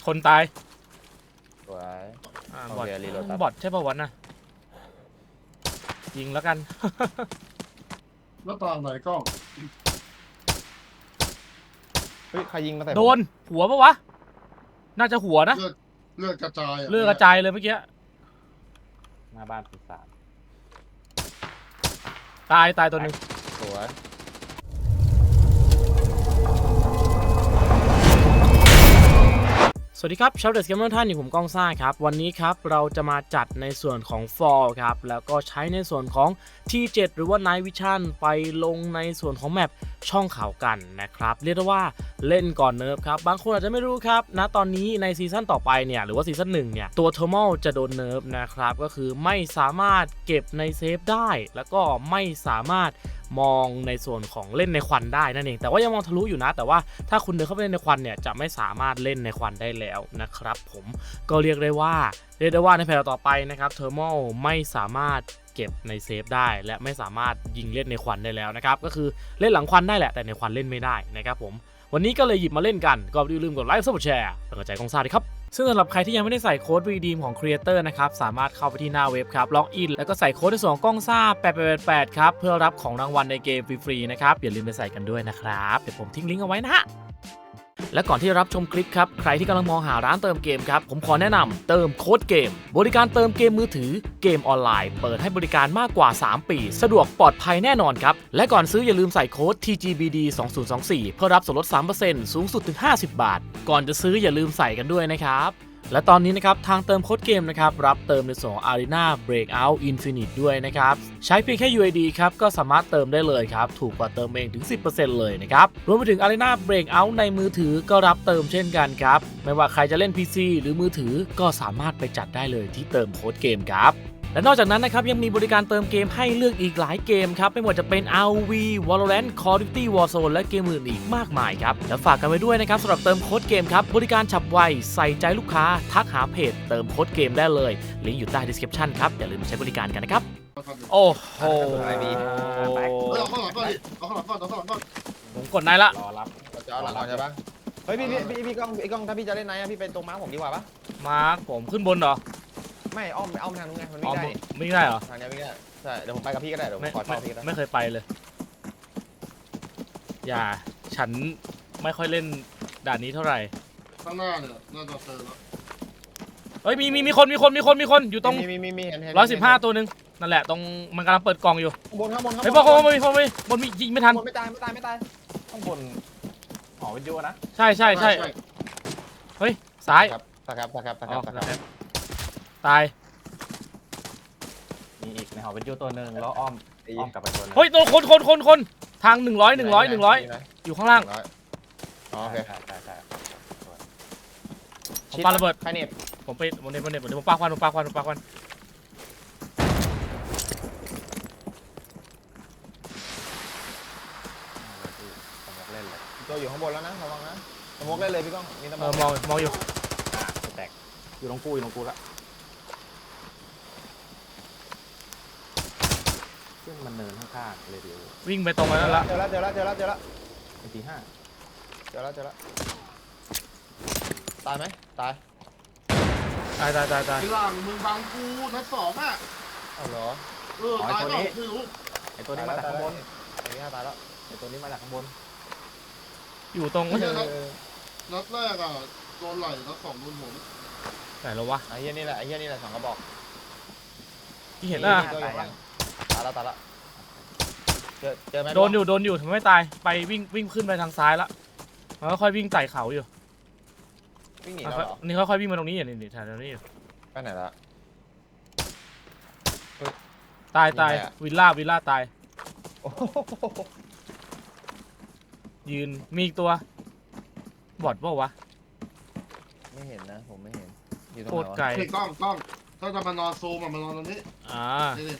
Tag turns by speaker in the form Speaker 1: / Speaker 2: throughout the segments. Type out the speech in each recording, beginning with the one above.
Speaker 1: คนตาย
Speaker 2: สวย
Speaker 1: บอท
Speaker 2: รีโหลดครับ
Speaker 1: บอทใช่ป่าววะน่ะยิงแล้วกัน
Speaker 3: แล้วตางไหนกล้อง
Speaker 2: เฮ้ยใครยิงมาใส่ผม
Speaker 1: โดนหัวปะวะน่าจะหัวนะ
Speaker 3: เลือดกระจาย
Speaker 1: เลือดกระจายเลยเมื่อกี้
Speaker 2: หน้าบ้านปีศาจ
Speaker 1: ตายตัวหนึ่ง
Speaker 2: สวย
Speaker 1: สวัสดีครับชาวเดสเกมเมอร์ท่านอยู่ผมก้องซ่าครับวันนี้ครับเราจะมาจัดในส่วนของ Fall ครับแล้วก็ใช้ในส่วนของ T7 หรือว่า Night Vision ไปลงในส่วนของแมปช่องเขากันนะครับเรียกได้ว่าเล่นก่อนเนิร์ฟครับบางคนอาจจะไม่รู้ครับณตอนนี้ในซีซั่นต่อไปเนี่ยหรือว่าซีซั่น1เนี่ยตัวเทอร์มอลจะโดนเนิร์ฟนะครับก็คือไม่สามารถเก็บในเซฟได้แล้วก็ไม่สามารถมองในส่วนของเล่นในควันได้นั่นเองแต่ว่ายังมองทะลุอยู่นะแต่ว่าถ้าคุณเดินเข้าไปเล่นในควันเนี่ยจะไม่สามารถเล่นในควันได้แล้วนะครับผมก็เรียกได้ว่าในแผนต่อไปนะครับเทอร์มอลไม่สามารถเก็บในเซฟได้และไม่สามารถยิงเล่นในควันได้แล้วนะครับก็คือเล่นหลังควันได้แหละแต่ในควันเล่นไม่ได้นะครับผมวันนี้ก็เลยหยิบมาเล่นกันก็อย่าลืมกดไลค์กดแชร์เป็นกำลังใจกองซ่าด้วยครับซึ่งสำหรับใครที่ยังไม่ได้ใส่โค้ด redeem ของ Creator นะครับสามารถเข้าไปที่หน้าเว็บครับล็อกอินแล้วก็ใส่โค้ดในส่วนของกล้องซ่า8888ครับเพื่อรับของรางวัลในเกมฟรีๆนะครับอย่าลืมไปใส่กันด้วยนะครับเดี๋ยวผมทิ้งลิงก์เอาไว้นะฮะและก่อนที่จะรับชมคลิปครับใครที่กำลังมองหาร้านเติมเกมครับผมขอแนะนำเติมโค้ดเกมบริการเติมเกมมือถือเกมออนไลน์เปิดให้บริการมากกว่า3ปีสะดวกปลอดภัยแน่นอนครับและก่อนซื้ออย่าลืมใส่โค้ด TGBD 2024เพื่อรับส่วนลด 3% สูงสุดถึง50 บาทก่อนจะซื้ออย่าลืมใส่กันด้วยนะครับและตอนนี้นะครับทางเติมโค้ดเกมนะครับรับเติมในส่วนของ Arena Breakout Infinite ด้วยนะครับใช้เพียงแค่ UID ครับก็สามารถเติมได้เลยครับถูกกว่าเติมเองถึง 10% เลยนะครับรวมไปถึง Arena Breakout ในมือถือก็รับเติมเช่นกันครับไม่ว่าใครจะเล่น PC หรือมือถือก็สามารถไปจัดได้เลยที่เติมโค้ดเกมครับและนอกจากนั้นนะครับยังมีบริการเติมเกมให้เลือกอีกหลายเกมครับไม่ว่าจะเป็น ROV Valorant Call of Duty Warzone และเกมอื่นอีกมากมายครับและฝากกันไว้ด้วยนะครับสำหรับเติมโค้ดเกมครับบริการฉับไวใส่ใจลูกค้าทักหาเพจเติมโค้ดเกมได้เลยลิงก์อยู่ใต้ description ครับอย่าลืมใช้บริการกันนะครับโอ้โห
Speaker 3: เอาข้างหลังก่อนดิเอาข้างหลังก่อนเอาข้างหลังก่อน
Speaker 1: ผมกดได้ละ
Speaker 2: รอรับเราจะเอาหลังก่อนใช่ปะเฮ้ยพี่กล้องถ้าพี่จะเล่นไหนอะพี่เป็นตรงม้าผมดีกว่าปะ
Speaker 1: มาร์คผมขึ้นบนเหรอ
Speaker 2: ไม่อ้อมทางนู้นไงมัน
Speaker 1: อ๋อ
Speaker 2: ไม่ได้
Speaker 1: ไม่ได้เหรอ
Speaker 2: ทางนี้ไม่ได้ใช่เดี๋ยวผมไปกับพี่ก็ได้เดี๋ยวผมขอเช่าพี่ก็ได้
Speaker 1: ไม่เคยไปเลยอย่าฉันไม่ค่อยเล่นด่านนี้เท่าไหร่
Speaker 3: ข้างหน้าเนี่ยน่าจะเจอแล้ว
Speaker 1: เฮ้ยมีคนอยู่ตรง
Speaker 2: มีเห็น
Speaker 1: 115ตัวหนึ่งนั่นแหละตรงมันกำลังเปิดกล่องอยู่
Speaker 2: บนข้างบน
Speaker 1: เฮ้ยบนมียิงไม่ทัน
Speaker 2: ไม่ตายข้างบนหอวิทยุนะ
Speaker 1: ใช่เฮ้ยซ้าย
Speaker 2: ครับ
Speaker 1: ตาย
Speaker 4: มีอีกในหอวิทยุตัวหนึ่งแล้วอ้อมกลับไปตัวนึง
Speaker 1: เฮ้ยตัวคนทาง100อยู่ข้างล่าง
Speaker 2: โอเค
Speaker 4: ใช่
Speaker 1: ผมปาระเบิด
Speaker 2: ใครเน็ต
Speaker 1: ผมปาควัน
Speaker 4: เล่นเลย
Speaker 2: ตัวอยู่ข้างบนแล้วนะระวังนะสมมติเล่นเลยพี่ก้องมีตะม
Speaker 1: มองอยู่
Speaker 4: แตกอยู่ตรงกูละซึ่งมันเนินข้างๆเลยเดียว
Speaker 1: วิ่งไปตรงนั้นละ
Speaker 2: เจอแล้ว
Speaker 4: เป็นทีห้า
Speaker 2: เจอแล้วตายไหมตาย
Speaker 1: ตาย
Speaker 3: ไอ้หลังมึงบังกูนัดสองอ่ะ
Speaker 2: เอาเหรอ
Speaker 3: ตายเปล่าไม่รู้
Speaker 4: ไอตัวนี้มาจากข้างบน
Speaker 2: ไอ้นี่ตายแล้ว
Speaker 4: ไอตัวนี้มาจากข้างบน
Speaker 1: อยู่ตรง
Speaker 3: นัดแรกอ่ะโดนไหล่นัดสองโดนหัว
Speaker 1: ไหนแล้ววะ
Speaker 2: ไอ้เหี้ยนี่แหละสองกระบอก
Speaker 1: ที่เห็นอ่ะ
Speaker 2: ตายแล้วเจอไหม
Speaker 1: โดนอยู่ทำไมไม่ตายไปวิ่งขึ้นไปทางซ้ายละมันค่อยวิ่งไต่เขาอยู่
Speaker 2: วิ่งหนีแล้วเหรอ
Speaker 1: นี่ค่อยวิ่งมาตรงนี้อยู่นี่แถวนี้อยู่
Speaker 2: ไปไหนละ
Speaker 1: ตายวิลล่าตายยืนมีอีกตัวบอดเปล่าวะ
Speaker 2: ไม่เห็นนะผมไม่เห็นอยู่ตรง
Speaker 1: โค
Speaker 2: ไหน
Speaker 1: ตร
Speaker 2: วะ
Speaker 1: ไกล
Speaker 3: ไอ้กล้องถ้าจะมานอนซูมมานอนตรงนี้ นี่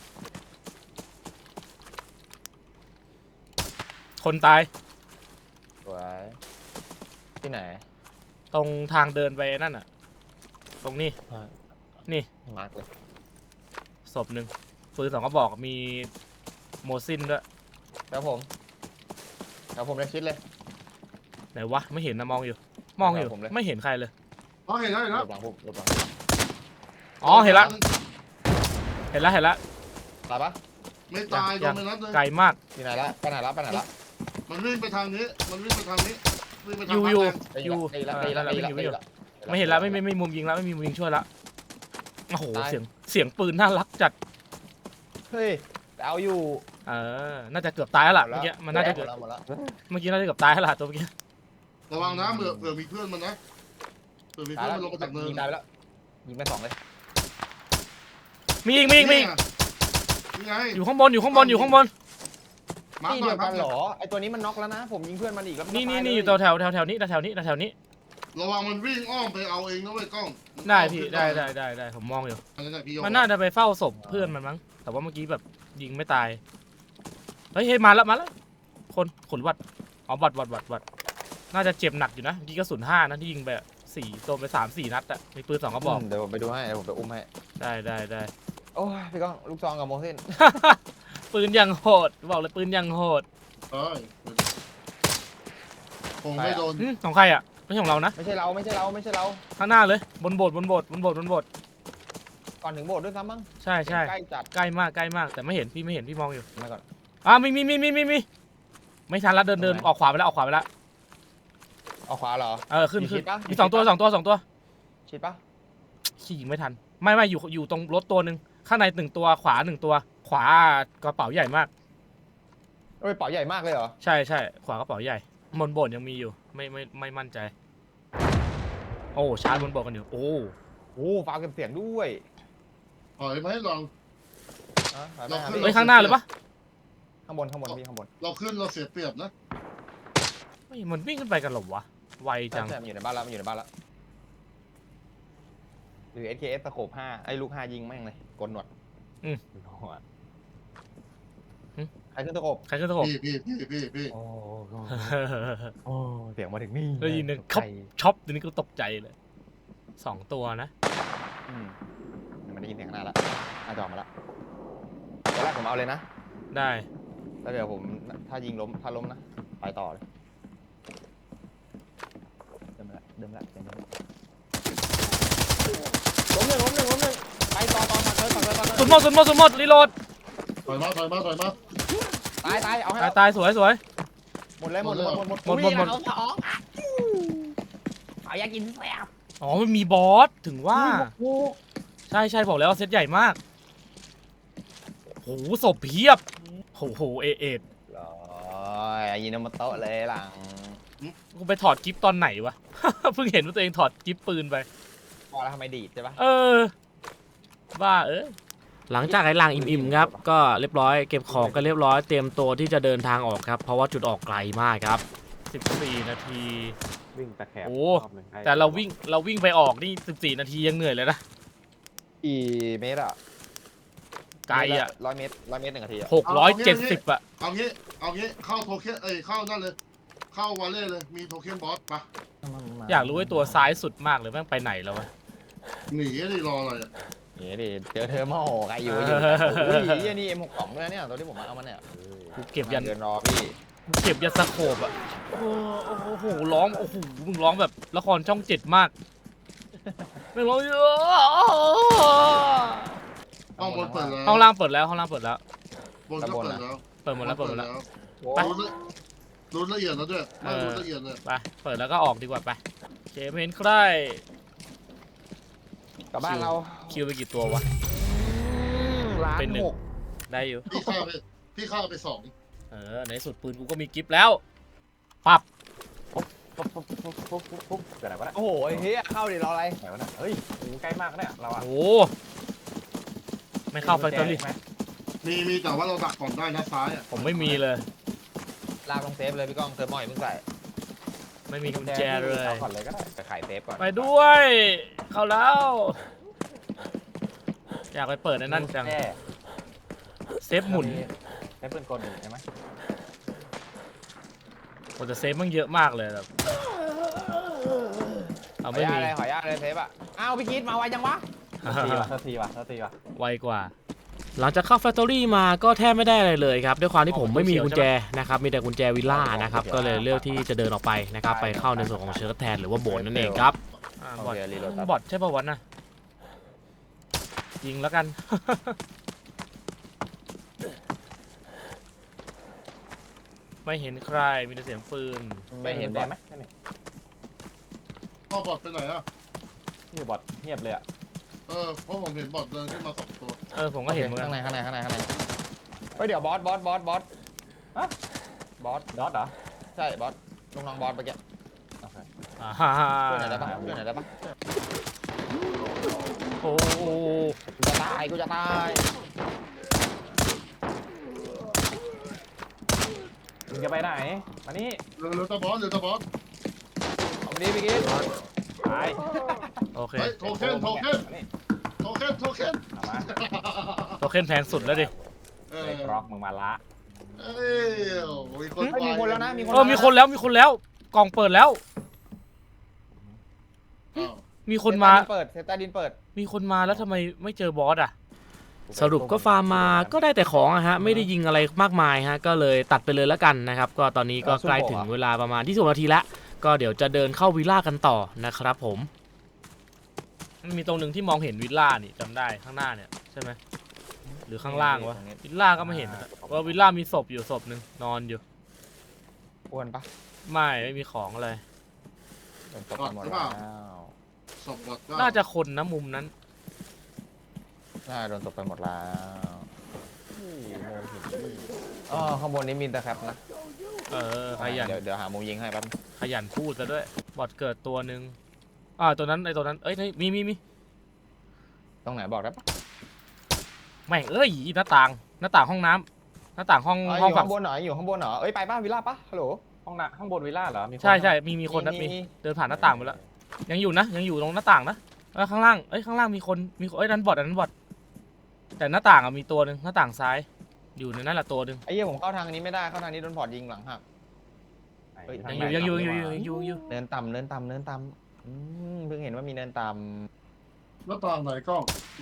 Speaker 1: คนตาย
Speaker 2: สวยที่ไหน
Speaker 1: ตรงทางเดินไปนั่นอ่ะตรงนี้นี่
Speaker 2: มาร์กเลย
Speaker 1: ศพหนึ่งปืน2 กระบอกมีโมซินด้วย
Speaker 2: แล้วผมเลยคิดเลย
Speaker 1: ไหนวะไม่เห็นนะมองอยู่
Speaker 2: ผมเลย
Speaker 1: ไม่เห็นใครเลย
Speaker 3: อ๋อเห็นแล้ว
Speaker 2: หลบหลังผมหลบหลัง
Speaker 1: อ๋อเห็นละเห็นละเห็นละ
Speaker 2: ตายปะ
Speaker 3: ไม่ตายโดนไปนัดนึง
Speaker 1: ไกลมาก
Speaker 2: ที่ไหนละไปไหนละไปไหนละ
Speaker 3: มันวิ่งไปทางนี้มันวิ่งไปทางนี้วิ่งไปทาง
Speaker 1: อยู่
Speaker 3: บ้าน
Speaker 1: อยู่
Speaker 3: แดง
Speaker 1: อยู่
Speaker 2: ได้ละ
Speaker 1: ไม่เห็นละไม่มุมยิงแล้วไม่มีมุมยิงช่วยละโอ้โห
Speaker 2: ตาย
Speaker 1: เสียงปืนน่ารักจัด
Speaker 2: เฮ้ยแต่เอาอยู่
Speaker 1: น่าจะเกือบตายแล้วล่ะเมื่อกี้มันน่าจะเกือบ
Speaker 2: หมดแล้ว
Speaker 1: เมื่อกี้น่าจะเกือบตายแล้วล่ะตัวเมื่อกี้
Speaker 3: ระวังนะเผื่อมีเพื่อนมันนะเผื่อมี
Speaker 2: ตาย
Speaker 3: เพื่อน
Speaker 2: แล้ว
Speaker 3: มันลงมาจากเนิน
Speaker 2: ยิงตายไปแล้วยิงไปสองเลย
Speaker 1: มีอีกมีอีกมีอีก
Speaker 3: นี่ไง
Speaker 1: อยู่ข้างบนอยู่ข้างบนอยู่ข้างบน
Speaker 3: มาร์ค
Speaker 2: นี่
Speaker 3: หน่
Speaker 2: เดี
Speaker 3: อย
Speaker 2: ยว
Speaker 3: มา
Speaker 2: กั
Speaker 3: ร์คน ห
Speaker 2: เหร
Speaker 3: น่อย
Speaker 2: อไอตัวนี้มันน็อกแล้วนะผมยิงเพื่อนมันอีกแล้วมันก็
Speaker 1: นี่
Speaker 2: ตาย
Speaker 1: นี่
Speaker 2: เลย
Speaker 1: อยู่แถวนี้แถวนี้
Speaker 3: ระวังมันวิ่งอ้อมไปเอาเองนะเว้ยกล้อง
Speaker 1: ได้พี่ได้ผมมองอยู่
Speaker 3: อันนั้นแหละพี่โย
Speaker 1: มันน่าจะไปเฝ้าศพเพื่อนมันมั้งแต่ว่าเมื่อกี้แบบยิงไม่ตายเฮ้ยมาแล้วคนขนวัดอ๋อวัดน่าจะเจ็บหนักอยู่นะเมื่อกี้กระสุน5นะที่ยิงไป4ตัวไป3-4 นัดอะมีปืน2กระบอก
Speaker 2: เดี๋ยวผมไปดูให้เดี๋ยวผมไปอุ้มให้
Speaker 1: ได้
Speaker 2: โอ้ยพี่ก้องลูกซองกับโมเสน
Speaker 1: ปืนยังโหดบอกเลยปืนยังโหด
Speaker 3: เอ้ยคงไม่โดน
Speaker 1: ของใครอะไม่ใช่ของเรานะ
Speaker 2: ไม่ใช่เรา
Speaker 1: ข้างหน้าเลยบนโบสถ์
Speaker 2: ก่อนถึงโบสถ์ด้วยซ้ำมั้ง
Speaker 1: ใช่
Speaker 2: ใกล้จัด
Speaker 1: ใกล้มากแต่ไม่เห็นพี่มองอยู่
Speaker 2: มาก่อน
Speaker 1: มีไม่ทันละเดินออกขวาไปแล้ว
Speaker 2: เอาขวาเหรอ
Speaker 1: ขึ้น
Speaker 2: มีชิดปะ
Speaker 1: มี2 ตัว
Speaker 2: ชิดปะ
Speaker 1: ขี่ยิงไม่ทันไม่อยู่ตรงรถตัวหนึ่งข้างใน1 ตัวขวา1 ตัวขวากระเป๋าใหญ่มาก
Speaker 2: เอ้ยเป๋าใหญ่มากเลยเหรอ
Speaker 1: ใช่ขวากระเป๋าใหญ่บนโบสถ์ยังมีอยู่ไม่มั่นใจโอ้ชาร์จบนโบสถ์กันอยู่โอ้
Speaker 2: โอ้ฟ้าเก็บเสียงด้วย
Speaker 3: ถอยไหมลอง เราขึ้น
Speaker 1: เฮ้ยข้างหน้าเลยปะ
Speaker 2: ข้างบนพี่ข้างบน
Speaker 3: เราขึ้นเราเสียเปรียบนะ
Speaker 1: ไม่มันวิ่งขึ้นไปกันหรอวะไวจัง
Speaker 2: ใช่มันอยู่ในบ้านแล้วหรือ SKS สโคป5ไอ้ลูก5ยิงแม่งเลยกลหนวดใครขึ้นสโคป
Speaker 1: ใครขึ้นตะขบ
Speaker 3: พี่
Speaker 2: โอ้เสียงมาถึงนี่
Speaker 1: ได้ยินเนี่ยช็อปตัวนี้ก็ตกใจเลย2 ตัวนะ
Speaker 2: มันได้ยินเสียงข้างหน้าแล้วจอมาแล้วตอนแรกผมเอาเลยนะ
Speaker 1: ได้
Speaker 2: แล้วเดี๋ยวผมถ้ายิงล้มถ้าล้มนะไปต่อเลยเดิมละล้มหนึ่งไปต่อ
Speaker 1: สุดหมดรีโหลด
Speaker 3: ถอยมา
Speaker 2: ตายเอาให้
Speaker 1: ตายสวย
Speaker 2: หมดเลย
Speaker 1: หมด
Speaker 2: เอาอยากกินแซ่บ
Speaker 1: อ๋อมันมีบอสถึงว่าใช่บอกแล้วว่าเซตใหญ่มากโหศพเพียบโหเอ็ด
Speaker 2: ยินมาโต๊ะเลยหลัง
Speaker 1: กูไปถอดกิฟตอนไหนวะ เพิ่งเห็นว่าตัวเองถอดกิฟปืนไป
Speaker 2: พอแล้วทำไมดีดใช่ปะ
Speaker 1: บ้าหลังจากไอ้ลางอิ่มๆครับก็เรียบร้อยเก็บของกันเรียบร้อยเตรียมตัวที่จะเดินทางออกครับเพราะว่าจุดออกไกลมากครับ14 นาที
Speaker 4: วิ่งตะแคบ
Speaker 1: โอ้แต่เราวิ่งไปออกนี่14 นาทียังเหนื่อยเลยนะ
Speaker 2: กี่เมตรอะ
Speaker 1: ไกลอะ
Speaker 2: 100 เมตร1 นาทีอะ
Speaker 1: 670อะ
Speaker 3: เอางี้เข้าโทเค็นเข้านั่นเลยเข้าวอลเล่เลยมีโทเค็นบอสปะ
Speaker 1: อยากรู้ไอ้ตัวซ้ายสุดมากเลยแม่งไปไหนแล้ววะ
Speaker 3: หนีดิรออะไรอ่ะ
Speaker 2: นี่ดิเจอเธอมาโหใครอยู่อุ้ยนี่ M62 ด้วยเนี่ยตัวที่ผมเอามาเนี่ย
Speaker 1: กูเก็บยัน
Speaker 2: เดินรอพี่
Speaker 1: สโคปอะโอ้โหร้องโอ้โหมึงร้องแบบละครช่อง7มากไม่งร้องเยอะ
Speaker 3: ห้องบนเปิดแล้ว
Speaker 1: ห้องล่างเปิดแล้ว
Speaker 3: บนก็เปิดแล้ว
Speaker 1: เปิดหมดแล้ว
Speaker 3: ไปรู้ละเอียดแล้วด้วยรู้ละเอียดเลย
Speaker 1: ไปเปิดแล้วก็ออกดีกว่าไปเกมเห็นใคร
Speaker 2: กลับบ้านเรา
Speaker 1: คิวไปกี่ตัววะ เป็นหนึ่ง
Speaker 2: 1,600,000
Speaker 1: ได้อยู่
Speaker 3: พี่ฆ่าไป2
Speaker 1: ในสุดปืนกูก็มีกิฟต์แล้วปับ
Speaker 4: เกิดอะไรวะเนี่ย
Speaker 2: โอ้โหไอ้เหี้ยเข้าดิรออะไร
Speaker 4: ไหนวะเนี่ยเฮ้ยโอ้ใกล้มากเนี่ยเราอะ
Speaker 1: โอ้ไม่เข้าแฟคทอรี่
Speaker 3: มีแต่ว่าเราดักก่อนได้นะซ้ายอ่ะ
Speaker 1: ผมไม่มีเลย
Speaker 2: ลากลงเซฟเลยพี่ก้องเติมหม้อยมึงใส่
Speaker 1: ไม่มีกุญแจเลย
Speaker 4: เอาก่อนเลยก็ได้
Speaker 2: ไปขายเซฟก่อน
Speaker 1: ไปด้วย เข้าแล้ว อยากไปเปิดในนั่นจัง
Speaker 4: แค่
Speaker 1: เซฟหมุน
Speaker 4: ใช้ปืนกลอยู่ใช่ไหม
Speaker 1: โอ้แต่เซฟมันเยอะมากเลยแบบเอา
Speaker 2: ขอ
Speaker 1: ไม่
Speaker 2: อนุญา
Speaker 1: มี
Speaker 2: ตเลยขออนุญาตเลยเซฟอ่ะอ้าวพี่กีดมาไวจังวะ
Speaker 4: ทีว่ะ
Speaker 1: ไวกว่า หลังจากเข้าแฟคทอรี่มาก็แทบไม่ได้อะไรเลยครับด้วยความที่ผมไม่มีกุญแจนะครับมีแต่กุญแจวิลล่านะครับก็เลยเลือกที่จะเดินออกไปนะครับไปเข้าในส่วนของเชิร์ตแทนหรือว่าโบนนั่นเองครับบอท
Speaker 2: โอเครีโหลดครับ
Speaker 1: บอทใช่ป่าววะน่ะยิงแล้วกัน ไม่เห็นใครมีแต่เสียงปืน
Speaker 2: ไม่เห็นบ
Speaker 4: ได้
Speaker 2: อท
Speaker 4: ไหมนี่
Speaker 3: พ่อบอดไปไหนอ่ะ
Speaker 4: นี่บอทเงียบเลยอ่ะ
Speaker 3: เพราะผมเห็นบอดเดินขึ้นมา2 ตัว
Speaker 1: ผมก็เห็นเหมือนกั
Speaker 2: ข้าน งในเฮ้ยเดี๋ยวบอสบอสบอส
Speaker 4: ดอทเหรอ
Speaker 2: ใช่บอสลูกน้องบอสเมื่อกี้
Speaker 4: โอเค
Speaker 1: อ่าฮ่าฮ่า
Speaker 2: ช่วยหน่อยได้ปะช่วยหน่อยได้ปะ
Speaker 1: โอ้โห
Speaker 2: กูจะตาย
Speaker 4: มึงจะไปไหนมานี่
Speaker 3: เรือตะบอส
Speaker 2: เอาดีพี่กิ๊ก
Speaker 4: ตาย
Speaker 1: โอเค
Speaker 3: เฮ้ยโทเค็น
Speaker 4: มานี่
Speaker 3: เอามา
Speaker 1: โทเค็นแพงสุดแล้วดิ
Speaker 4: ไอ้กรอกมึงมาละ
Speaker 3: เอ้ยมีคน
Speaker 2: เฮ้ยมีคนแล้วนะมีคน
Speaker 1: มีคนแล้วกล่องเปิดแล้ว
Speaker 3: อ้าว
Speaker 1: มีคนมา
Speaker 2: เซตใต้ดินเปิด
Speaker 1: มีคนมาแล้วทำไมไม่เจอบอสอ่ะ สรุปก็ฟาร์มมาก็ได้แต่ของอะฮะไม่ได้ยิงอะไรมากมายฮะก็เลยตัดไปเลยแล้วกันนะครับก็ตอนนี้ก็ใกล้ถึงเวลาประมาณที่20 นาทีแล้วก็เดี๋ยวจะเดินเข้าวิลล่ากันต่อนะครับผมมันมีตรงหนึ่งที่มองเห็นวิลล่านี่จำได้ข้างหน้าเนี่ยใช่ไหมหรือข้างล่างวะวิลล่าก็ไม่เห็นอะว่าวิลล่ามีศพอยู่ศพหนึ่งนอนอยู่
Speaker 2: อ้วนปะ
Speaker 1: ไม่มีของอะไร
Speaker 2: โดนตบไปหมดแล้ว
Speaker 3: ส่งบอดก็
Speaker 1: น่าจะคนนะมุมนั้น
Speaker 2: น่าโดนตบไปหมดแล้วอ๋อข้างบนนี้มีแต่แคปนะ
Speaker 1: ขยัน
Speaker 2: เดี๋ยวหามุมยิงให้แป๊บ
Speaker 1: ขยันพูดซะด้วยบอดเกิดตัวหนึ่งตัวนั้นตัวนั้นเอ้ยมี
Speaker 2: ตรงไหนบอกได้ปะ
Speaker 1: แม่งหน้าต่างห้องน้ำหน้าต่างห้อง
Speaker 2: อ๋ออ
Speaker 1: ห้อง
Speaker 2: ยู่
Speaker 1: ฝั่
Speaker 2: ข้าง งบนเหรออยู่ข้างบนเหรอเอ้ยไปป้าวิลล่าปะฮัลโหล
Speaker 4: ห้องน่ะข้างบนวิลล่าเหรอมีคน
Speaker 1: ใช่มีคนนะมีเดินผ่านหน้าต่างไปแล้วยังอยู่ตรงหน้าต่างนะข้างล่างข้างล่างมีคนนั้นบอดแต่หน้าต่างมีตัวหนึ่งหน้าต่างซ้ายอยู่ในนั้นแหละตัวหนึ่ง
Speaker 2: ไอ้เหี้ยผมเข้าทางนี้ไม่ได้เข้าทางนี้โดนพอร์ตยิงหลังหัก
Speaker 4: ไหน
Speaker 2: ทา
Speaker 1: ยัง
Speaker 2: ไหน
Speaker 1: อยู่
Speaker 2: เนินต่ำเพิ่งเห็นว่ามีเนินต่
Speaker 3: แล้วตางไหนกล้อง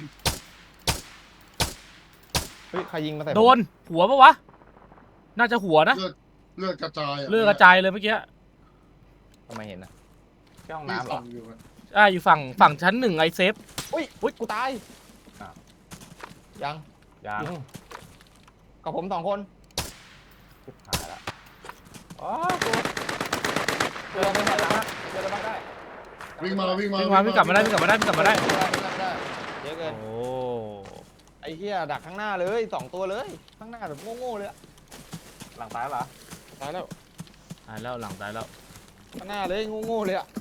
Speaker 2: ำเฮ้ยใครยิงมาใส่ผม
Speaker 1: โดนหัวปะวะน่าจะหัวนะ
Speaker 3: เลือดกระจาย
Speaker 1: เลือดกระจายเลยเมื่อกี้
Speaker 2: ทำไมเห็นนะ
Speaker 4: ที่ห้อง
Speaker 3: มี
Speaker 4: น้ำเหร
Speaker 3: ส่
Speaker 4: อ
Speaker 3: องอยู่
Speaker 1: อยู่ฝั่งชั้นหนึ่งไอเซฟ
Speaker 2: อุ้ยกูตาย
Speaker 4: อ้าว
Speaker 2: ยัง
Speaker 4: ยัง
Speaker 2: กับผม2 คน
Speaker 4: ชิบหายละอ๋อกูเจอไม่ได้ละเจอแล้วบ้างได้
Speaker 3: วิ่งมา
Speaker 1: วิ่งกลับมาได้
Speaker 2: ไม่ได้เยอะเกิน
Speaker 1: โอ้
Speaker 2: ไอ้เหี้ยดักข้างหน้าเลย2 ตัวเลยข้างหน้าแบบโง่ๆเลยอะ
Speaker 4: หลังตายเหรอ
Speaker 2: ตายแล้ว
Speaker 1: ตายแล้วหลังตายแล้ว
Speaker 2: ข้างหน้าเลยโง่ๆเลยอะ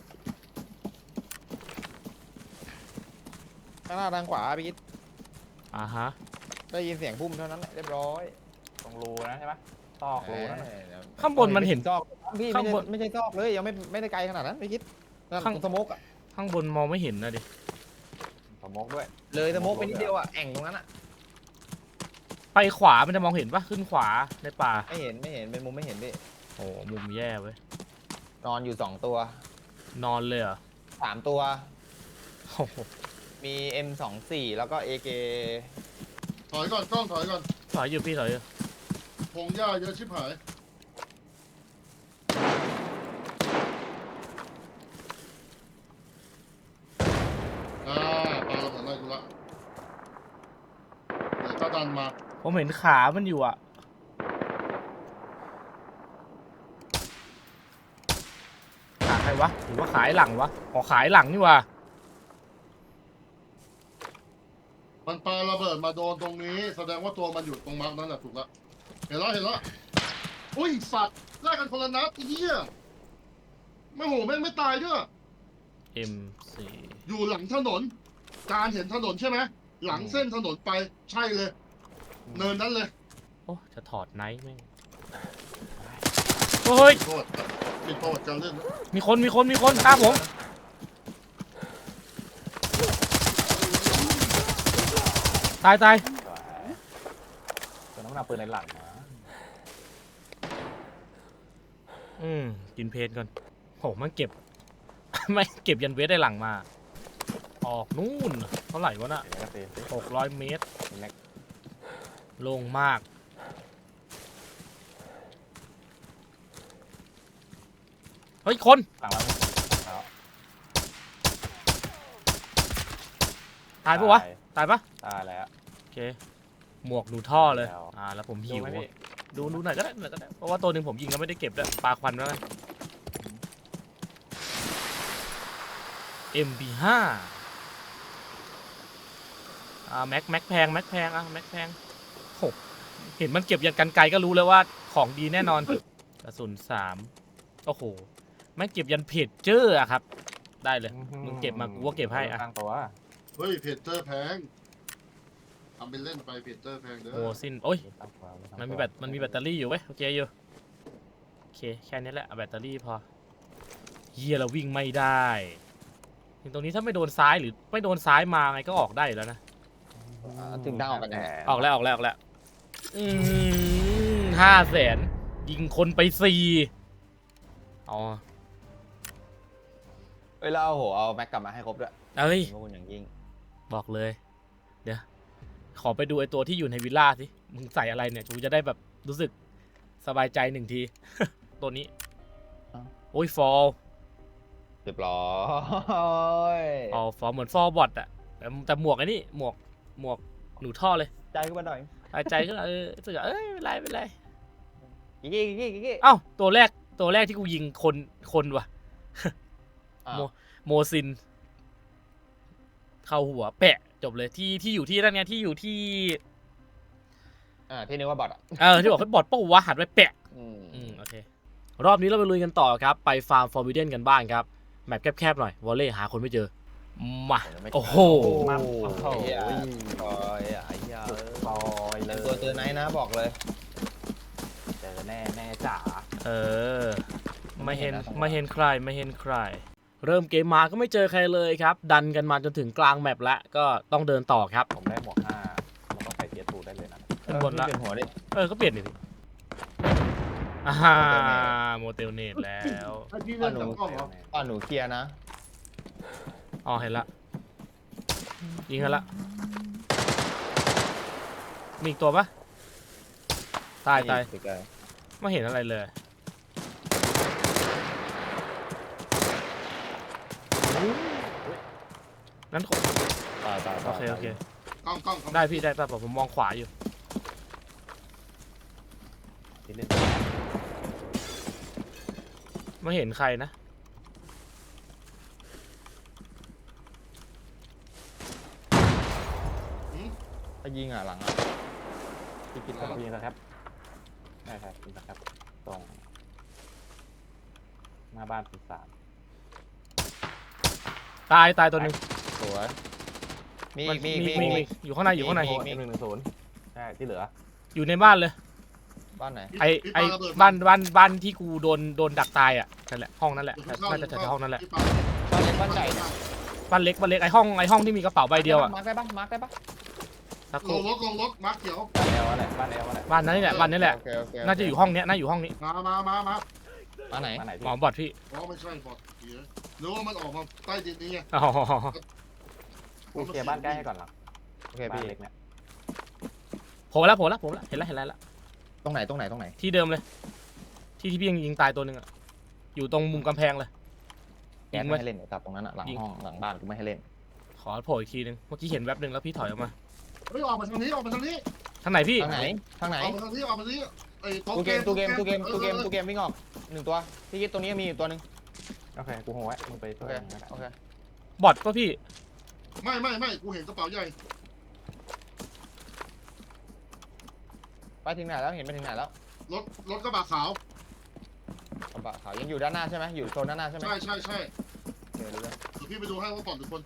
Speaker 2: ข้างหน้าทางขวาพี่กิ๊ด
Speaker 1: ฮะ
Speaker 2: ได้ยินเสียงพุ่มเท่านั้นแหละเรียบร้อย
Speaker 4: ตรงรูนะใช่ไหมซอกรูนั่นน่ะ
Speaker 1: ข้างบนมันเห็น
Speaker 2: ซอกพี่
Speaker 1: ข้างบน
Speaker 2: ไม่ใช่ซอกเลยยังไม่ได้ไกลขนาดนั้นพี่กิ๊ดนั่น
Speaker 1: ข้าง
Speaker 2: สโมกอะ
Speaker 1: ข้างบนมองไม่เห็นนะดิ
Speaker 4: สมกด้วย
Speaker 2: เลยสโมกไปนิดเดียวอะแอ่งตรงนั้นอะ
Speaker 1: ไปขวามันจะมองเห็นปะขึ้นขวาในป่า
Speaker 2: ไม่เห็นเป็นมุมไม่เห็นดิ
Speaker 1: โอ้มุมแย่เว้ย
Speaker 2: นอนอยู่2 ตัวน
Speaker 1: อนเลยเหรอ
Speaker 2: 3 ตัว
Speaker 1: โอ้โห
Speaker 2: มี M24 แล้วก็ AK
Speaker 3: ถอยก่อนกล้องถอยก่อน
Speaker 1: ถอยอยู่พี่ถอยอยู่
Speaker 3: พงหญ้าเยอะชิบหายปลาระเบิดอะไรกูละเดี๋ยวถ้าดันมา
Speaker 1: ผมเห็นขามันอยู่อะขาใครวะหรือว่าขายหลังวะขายหลังนี่วะ
Speaker 3: มันปลาระเบิดมาโดนตรงนี้ แสดงว่าตัวมันอยู่ตรงมาร์กนั่นแหละถูกละเห็นแล้วอุ้ยสัตว์ไล่กันคนละนัดไอ้เหี้ยไม่โหแม่งไม่ตายด้วย
Speaker 1: M4
Speaker 3: อยู่หลังถนน การเห็นถนนใช่ไหมหลังเส้นถนนไปใช่เลย เนินนั้นเลย
Speaker 1: โอ้จะถอดไนท์แม่งเฮ้ย
Speaker 3: โทษปิดประวัติการเล่นนะ
Speaker 1: มีคนฆ่าผมตาย
Speaker 4: สวยเจอน้ำหนักปืนในหลังนะ
Speaker 1: กินเพนก่อนโหมันเก็บ ไม่เก็บยันเวทได้หลังมา ออกนู่นเท่าไหร่วะน่ะ
Speaker 4: เดี๋ยวก็ตีสิ
Speaker 1: 600 เมตร
Speaker 4: เล็ก
Speaker 1: โล่งมาก เฮ้ย คน
Speaker 4: หลังเราแล้ว
Speaker 1: ตายปะวะตายปะ
Speaker 4: ตายแล้ว
Speaker 1: โอเคหมวกหนูท่อเลย
Speaker 4: แล้ว
Speaker 1: แล้วผม
Speaker 4: ดู
Speaker 1: หิว
Speaker 4: ไหมพี่
Speaker 1: ดูหน่อยก็ได้เพราะว่าตัวหนึ่งผมยิงแล้วไม่ได้เก็บด้วยปลาควันแล้วไง MP5 แม็กแพงแม็กแพงแม็กแพงโหเห็นมันเก็บยันกันไกลก็รู้แล้วว่าของดีแน่นอนกระสุน3โอ้โหแม่งเก็บยันเพจเจอร์อะครับได้เลย มึงเก็บมากูก็เก็บให้อะ
Speaker 4: ตั้งตัว
Speaker 3: เฮ้ยเพจเตอร์แพงทำเป็นเล่นไปเพจเตอร์แพงเด้อ
Speaker 1: โอ้สิ้นโอ้ย
Speaker 4: ตั้งตัว
Speaker 1: มันมีแบตเตอรี่อยู่เว้ยโอเคอยู่โอเคแค่นี้แหละเอาแบตเตอรี่พอเฮียเราวิ่งไม่ได้ถึงตรงนี้ถ้าไม่โดนซ้ายหรือไม่โดนซ้ายมาไงก็ออกได้อยู่แล้วนะ
Speaker 2: ถึงทางออกกัน
Speaker 4: แหม
Speaker 2: แน่
Speaker 1: ออกแล้ว500,000ยิงคนไป4อ๋อ
Speaker 2: เอ้ยแล้วเอาแม็กกลับมาให้ครบด้วย
Speaker 1: เอ้ย
Speaker 2: ขอบคุณอย่างยิ่ง
Speaker 1: บอกเลย เดี๋ยวขอไปดูไอตัวที่อยู่ในวิลล่าสิมึงใส่อะไรเนี่ยกูจะได้แบบรู้สึกสบายใจ1 ที ตัวนี้โอ้ยฟอล
Speaker 2: เรียบร้อย
Speaker 1: ฟอลเหมือนฟอลบอทอะแต่หมวกไอ้นี่หมวกหนูท่อเลย
Speaker 2: ใจขึ้นมาหน่อย
Speaker 1: หายใจขึ้นมารู้สึกว่าไม่เป็นไร
Speaker 2: กิ๊ก
Speaker 1: เอ้าตัวแรกที่กูยิงคนว่ะ
Speaker 2: อ้าว
Speaker 1: โมซิน เข้าหัวแปะจบเลยที่อยู่ที่นั่นไงที่อยู่ที่
Speaker 2: ที่นึกว่าบอทอ่ะ
Speaker 1: ที่บอกให้บอดป้าวะหันไปแปะ
Speaker 2: อืม
Speaker 1: โอเครอบนี้เราไปลุยกันต่อครับไปฟาร์มฟอร์บิเดนกันบ้างครับแมปแคบๆหน่อยวอลเล่หาคนไม่เจอมาโอ้โห
Speaker 4: มา
Speaker 2: โอ้
Speaker 4: โอ้โห
Speaker 2: โหโอ้ยไอ้เหี้ย
Speaker 4: ซอยเลย
Speaker 2: ตัวเจอไหนนะบอกเลย
Speaker 4: เจอแน่จ๋า
Speaker 1: ไม่เห็นใคร เริ่มเกมมาก็ไม่เจอใครเลยครับดันกันมาจนถึงกลางแมปแล้วก็ต้องเดินต่อครับ
Speaker 4: ผมได้หมวก5มันต้องใส่เทียร์ทูได้เลยนะ
Speaker 1: ขึ้นบนละ
Speaker 2: เป็นหัวดิ
Speaker 1: ก็เปลี่ยนดิพี่โมเตลเนตแล้ว
Speaker 3: ไอ้พี่เล่นจากกล้องเหรอ
Speaker 2: หนูเคลียร์นะ
Speaker 1: อ๋อเห็นละยิงกันละมีอีกตัวปะตาย ไม่เห็นอะไรเลยนั้นโอเค
Speaker 3: กล้อง
Speaker 1: ได้พี่ได้ป่ะผมมองขวาอยู่
Speaker 4: ที่เล่น
Speaker 1: ไม่เห็นใครนะ
Speaker 2: ถ้ายิงหลัง
Speaker 4: ที่คิดว่ายิงนะครับใช่ยิงนะครับตรงหน้าบ้านปีศาจ
Speaker 1: ตายตัวหนึ่ง
Speaker 2: สวยมี
Speaker 1: อยู่ข้างใน
Speaker 2: มี
Speaker 4: 110ใช่ที่เหลือ
Speaker 1: อยู่ในบ้านเลย
Speaker 2: บ้านไหน
Speaker 1: ไอ้บ้านที่กูโดนดักตายอ่ะนั่นแหละห้องนั่นแหละน่าจะแถวห้องนั่นแหละ
Speaker 2: บ้านเล็กบ้านใหญ่
Speaker 1: บ้านเล็กไอ้ห้องที่มีกระเป๋าใบเดียวอ่ะ
Speaker 2: มาร์คได้ปะ
Speaker 1: สักค
Speaker 3: ล
Speaker 1: รู่
Speaker 3: งรถมาร์คเขียว
Speaker 4: บ้านเอลอะไรบ้านเอลอะไร
Speaker 1: บ้านนั้นนี่แหละบ้านนี้แหละ
Speaker 2: โอเค
Speaker 1: น่าจะอยู่ห้องเนี้ยน่าอยู่ห้องนี้
Speaker 3: มา
Speaker 2: บ้านไหน
Speaker 4: บ้านไหน
Speaker 1: หมอบอดพี่
Speaker 3: อ๋อไม่ใช่บอดเหี้ยหรือว่ามันออกมาใต้ดินนี่ไง
Speaker 1: อ๋อ
Speaker 4: กูเคลียร์บ้านใกล้ให้ก่อนหรอ
Speaker 2: โอเค
Speaker 4: บ้าน
Speaker 2: พี่
Speaker 4: เล็กเนี่ย
Speaker 1: โผล่แล้วเห็นแล้ว
Speaker 2: ตรงไหน
Speaker 1: ที่เดิมเลย ที่พี่ยังยิงตายตัวหนึ่งอ่ะอยู่ตรงมุมกำแพงเลย
Speaker 2: แกไม่ให้เล่นไอ้ตับตรงนั้นอะหลังห้องหลังบ้านกูไม่ให้เล่น
Speaker 1: ขอโผล่อีกทีนึงเมื่อกี้เห็นแวบหนึ่งแล้วพี่ถอยออกมา
Speaker 3: เฮ้ยออกมาทางนี้
Speaker 1: ทางไหนพี่
Speaker 2: ทางไหน
Speaker 3: ออกมาทางนี้ไอ้โต๊ะ
Speaker 2: ตู้เกมวิ่งออก1ตัวพี่คิดตรงนี้มีอยู่ตัวนึง
Speaker 4: โอเคกูโหไว้มึงไป
Speaker 2: โอ
Speaker 4: ช่วย
Speaker 2: เค
Speaker 4: มึงก็ได้
Speaker 2: โอเค
Speaker 1: บอดก็พี่
Speaker 3: ไม่กูเห็นกระเป๋าใหญ่
Speaker 2: ไปถึงไหนแล้วเห็นไปถึงไหนแล้ว
Speaker 3: รถกระบะขาว
Speaker 2: กระบะขาวยังอยู่ด้านหน้าใช่ไหมอยู่โซนด้านหน้าใช่ไหม
Speaker 3: ใช่
Speaker 2: เดี๋ยวดูเลย
Speaker 3: เดี๋ยวพี่ไปดูให้ว่าปอดหรือคน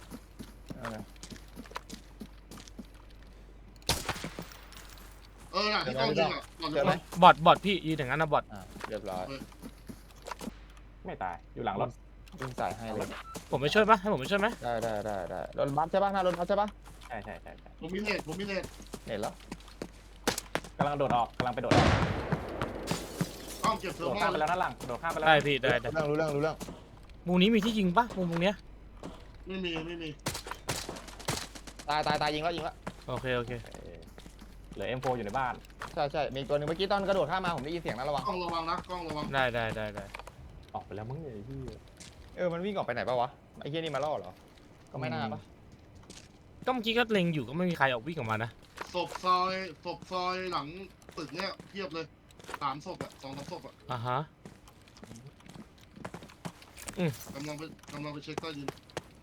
Speaker 3: น่ะที่กล้องยิงอ่ะปอดหรื
Speaker 2: เจ
Speaker 3: อ
Speaker 2: อ
Speaker 3: ค
Speaker 2: ไหม
Speaker 3: น
Speaker 1: บอดพี่ยืนอย่างนั้นนะบอด
Speaker 2: เรียบร้อย
Speaker 4: ไม่ตายอยู่หลังรถ
Speaker 2: วิ่งใส่ให้เลย
Speaker 1: ผมไปช่วยปะให้ผมไปช่วยไหม
Speaker 2: ได้รถบัสใช่ปะหน้ารถบัสใช่ปะ
Speaker 4: ใช่
Speaker 3: ผมมีเน็ต
Speaker 2: เห็นแล้ว
Speaker 4: กำลังโดดออกกำลังไปโดดออก
Speaker 3: กล้องเก็บเทอ
Speaker 4: โด
Speaker 3: ร์
Speaker 4: ด
Speaker 3: โม
Speaker 4: ข้ามไปแล้วนั่นหลังโดดข้ามไปแล้ว
Speaker 1: ได้พี่ได้
Speaker 2: รู้เรื่อง
Speaker 1: มุมนี้มีที่ยิงปะมุมเนี้ย
Speaker 3: ไม่มี
Speaker 2: ตายยิงแล้ว
Speaker 1: โอเค
Speaker 4: เหลือ M4 อยู่ในบ้าน
Speaker 2: ใช่มีตัวนึงเมื่อกี้ตอนกระโดดข้ามมาผมได้ยินเสียงนะระวัง
Speaker 3: กล้องระวังนะกล้องระวัง
Speaker 1: ได้
Speaker 4: ออกไปแล้วมึงไอ้ที่
Speaker 2: มันวิ่งออกไปไหนปะวะไอ้เหี้ยนี่มาล่อเหรอก็ไม่น่าปะ
Speaker 1: ก็เมื่อกี้ก็เล็งอยู่ก็ไม่มีใครออกวิ่งออกมานะ
Speaker 3: ศพซอยหลังตึกเนี้ยเทียบเลย3 ศพอะ2-3 ศพอะ
Speaker 1: อ่าฮะ
Speaker 3: กำลังไปเช็คใต้ดิน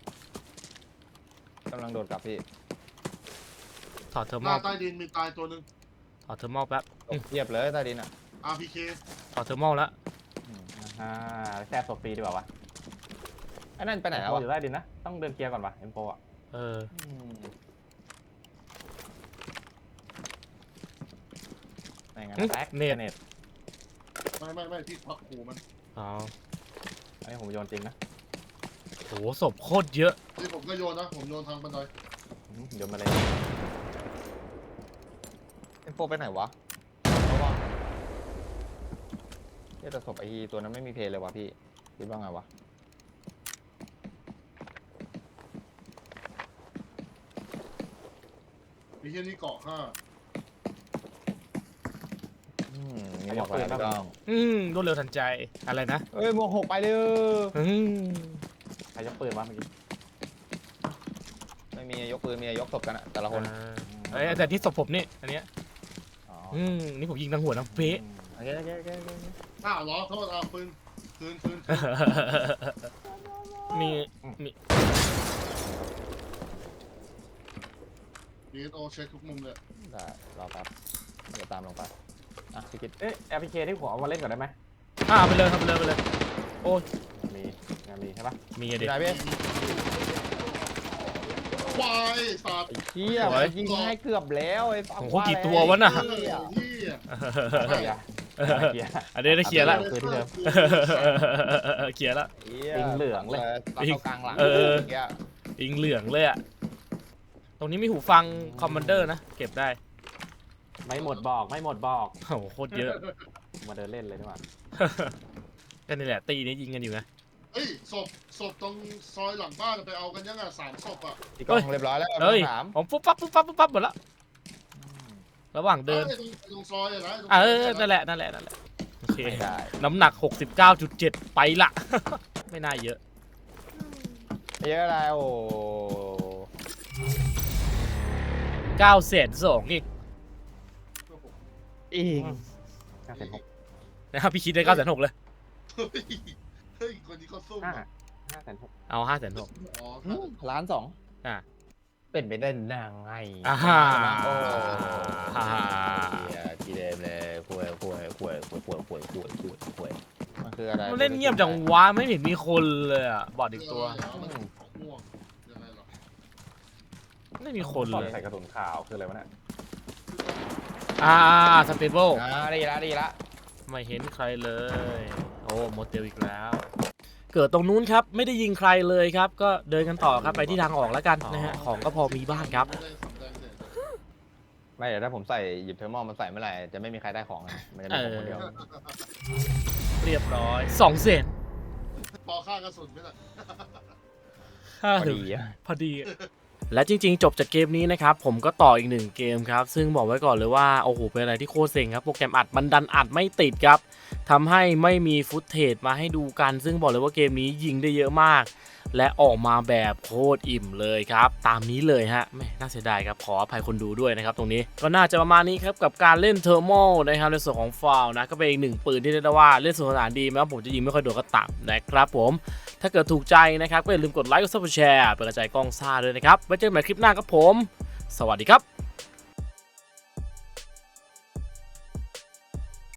Speaker 2: กำลังโดดกลับพี่
Speaker 1: ถอดเทอร์
Speaker 3: ห
Speaker 1: โม
Speaker 3: น้าใต้ดินมีตายตัวหนึ่ง
Speaker 1: ถอดเทอร์โมแป๊บ
Speaker 2: ตกเทียบเลยใต้ดินอ่ะ
Speaker 3: RPK
Speaker 1: ถอดเทอร์โมแล้ว
Speaker 4: อ่าแซ่บศพฟรีดีกว่าวะ
Speaker 2: ไอ้นั่นไปไหนแล้ว
Speaker 4: โอ้
Speaker 2: วะ
Speaker 4: อยู่ใต้ดินนะต้องเดินเคลียร์ก่อนวะเอ็มโฟอ่ะ
Speaker 1: เออ
Speaker 2: ไม่งั้น
Speaker 4: แตก
Speaker 1: เน็ต
Speaker 4: เน็ต
Speaker 3: ไม่พี่พักขู่มัน
Speaker 1: อ๋อ
Speaker 4: อันนี้ผมโยนจริงนะ
Speaker 1: โหศพโคตรเยอะ
Speaker 3: นี่ผมก็โยนนะผมโยนทางบันได
Speaker 4: โยนมาเลย
Speaker 2: เอ็มโฟไปไหนวะเพราะว่าเนี่ยแต่ศพไอ้ตัวนั้นไม่มีเพลย์เลยวะพี่คิดว่าไงวะ
Speaker 3: มีแค่นี้เกาะ5
Speaker 2: มีหมวกอะไรไม่ต้อง
Speaker 1: รวดเร็วทันใจอะไรนะ
Speaker 2: เอ้ยหมวก 6ไปเลย
Speaker 1: อืม
Speaker 4: ใครยกปืนวะเมื่อกี้
Speaker 2: ไม่มียกปืนมียกศพกันอะแต่ละคน
Speaker 1: เอ้ยแต่ที่ศพผมนี่อันเนี้ย
Speaker 4: อ๋อ
Speaker 1: นี่ผมยิงทั้งหัวทั้งเป๊ะ
Speaker 2: โอเคโอเคโอเคโอเค
Speaker 3: ล้อโทษปืนคืน
Speaker 1: มี
Speaker 3: DSO เช็คทุกมุมเลย
Speaker 2: ได้รอแป๊บเดี๋ยวตามลงไปอ่ะพี่คิด
Speaker 4: เอ๊ะแอปพลิเคที่ผมเอามาเล่นก่อนได้ไหม
Speaker 1: เอาไปเลยครับไปเลยไปเลยโอ้ย
Speaker 4: มีงานมีใช่ปะ
Speaker 1: มีอะ
Speaker 2: อ
Speaker 1: ดิ
Speaker 2: ยู่ไหนพี่
Speaker 3: ควายสัตว์
Speaker 2: ไอ้เหี้ย
Speaker 1: สวย
Speaker 2: ยิงให้เกือบแล้วไอ้ฟ้า
Speaker 1: โอ้โหกี่ตัววะน่ะ
Speaker 3: เหี้ย
Speaker 4: เคลียร์เคลียร์
Speaker 1: อันนี้ได้เคลียร์แล้ว
Speaker 4: คือที่เดิม
Speaker 1: เคลียร์แล้ว
Speaker 4: ยิงเหลืองเลย
Speaker 2: ตัดเข้ากลางหลัง
Speaker 1: เออ
Speaker 2: เมื่กี้
Speaker 1: ยิงเหลืองเลยอะตรงนี้มีหูฟังคอมมานเดอร์นะเก็บได้
Speaker 4: ไม่หมดบอกไม่หมดบอก
Speaker 1: โอ้โหโคตรเยอะ
Speaker 4: มาเดินเล่นเลยดีกว่า
Speaker 1: ก็นี่แหละตีนี้ยิงกันอยู่นะ
Speaker 3: เฮ้ยศพตรงซอยหลังบ้านไปเอากันยังอ่ะ3 ศพอ่ะ
Speaker 2: พี่กล้องเรียบร้อยแล้ว
Speaker 1: เฮ้ย
Speaker 2: ถาม
Speaker 1: ผมปุ๊บปั๊บปุ๊บปั๊บปุ๊บปั๊บหมดแล้วระหว่างเดิน
Speaker 3: ไอ้ตรงซอยอะนะ
Speaker 1: นั่นแหละโอเค
Speaker 2: ไม่ได้
Speaker 1: น้ำหนัก 69.7 ไปละ ไม่น่าเยอะ
Speaker 2: เยอะอะไรโอ้
Speaker 1: 902,000อีก
Speaker 2: อีก
Speaker 1: นะครับพี่คิดได้906,000เลย
Speaker 3: เฮ้ยคนนี้เขาสู้
Speaker 1: เอา 506,000
Speaker 3: อ๋อ
Speaker 2: ล้านสอง
Speaker 1: อ่ะ
Speaker 2: เป็นไปได้นางไง
Speaker 1: อ่าฮ่า
Speaker 2: โอ้
Speaker 1: อ่าฮ่า
Speaker 2: ทีเดิมเลยคุยมันคืออะไร
Speaker 1: มันเล่นเงียบจังวะไม่เห็นมีคนเลยอ่ะบอดอีกตัว
Speaker 3: ม่วงยังไงหรอ
Speaker 1: ไม่มีคน
Speaker 4: ตอน
Speaker 1: เลย
Speaker 4: ใส่กระสุนขาวคืออะไรวะเนี่ย
Speaker 1: สเตเบิล
Speaker 2: ดีละ
Speaker 1: ไม่เห็นใครเลย โอ้โมเตลอีกแล้ว เกิดตรงนู้นครับไม่ได้ยิงใครเลยครับ ก็เดินกันต่อครับไปที่ทางออกแล้วกันนะฮะของก็พอมีบ้างครับ
Speaker 3: ไม่ได้สำแดงเด็ด
Speaker 2: ไม่เดี๋ยวถ้าผมใส่หยิบเทอร์โมมันใส่เมื่อไหร่จะไม่มีใครได้ของนะมันจะมีผมคนเดียว
Speaker 1: เรียบร้อย2 เซน
Speaker 3: ปอค่ากระสุนไม่ได้
Speaker 2: พอดีอะ
Speaker 1: พอดี และจริงๆ จบจากเกมนี้นะครับผมก็ต่ออีก1เกมครับซึ่งบอกไว้ก่อนเลยว่าโอ้โหเป็นอะไรที่โคตรเซ็งครับโปรแกรมอัดมันดันอัดไม่ติดครับทำให้ไม่มีฟุตเทจมาให้ดูกัน ซึ่งบอกเลยว่าเกมนี้ยิงได้เยอะมาก และออกมาแบบโคตรอิ่มเลยครับตามนี้เลยฮะแม่น่าเสียดายครับขออภัยคนดูด้วยนะครับตรงนี้ก็น่าจะประมาณนี้ครับกับการเล่นเทอร์โมนะครับในส่วนของฟาวนะก็เป็นอีก1ปืนที่เรียกได้ว่าเล่นสนุกสนานดีแม้ว่าผมจะยิงไม่ค่อยโดนก็ตามนะครับผมถ้าเกิดถูกใจนะครับก็อย่าลืมกดไลค์กดซับสไครป์เป็นกำลังใจกล้องซ่าด้วยนะครับไว้เจอกันใหม่คลิปหน้าครับผมสวัสดีครับ